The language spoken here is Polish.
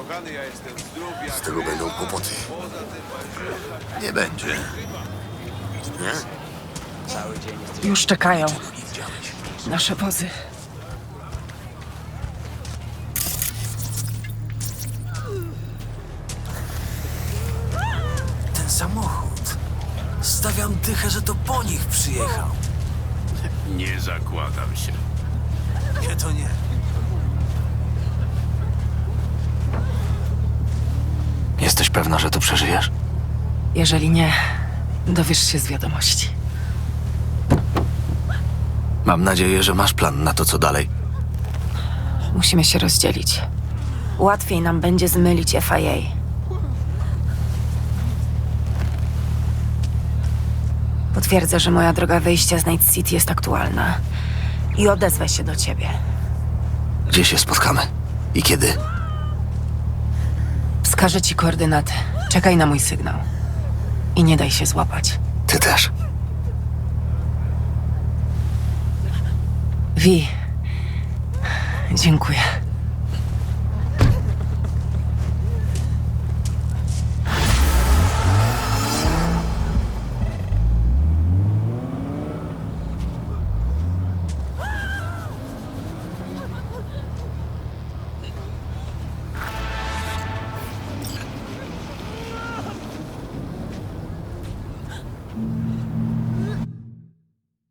Z tego będą kłopoty. Nie będzie. Nie? Już czekają. Nasze wozy. Ten samochód. Stawiam dychę, że to po nich przyjechał. Nie zakładam się. Nie, to nie. Jesteś pewna, że to przeżyjesz? Jeżeli nie, dowiesz się z wiadomości. Mam nadzieję, że masz plan na to, co dalej. Musimy się rozdzielić. Łatwiej nam będzie zmylić FIA. Potwierdzę, że moja droga wyjścia z Night City jest aktualna. I odezwę się do ciebie. Gdzie się spotkamy? I kiedy? Wskażę ci koordynaty. Czekaj na mój sygnał. I nie daj się złapać. Ty też. Vi. Dziękuję.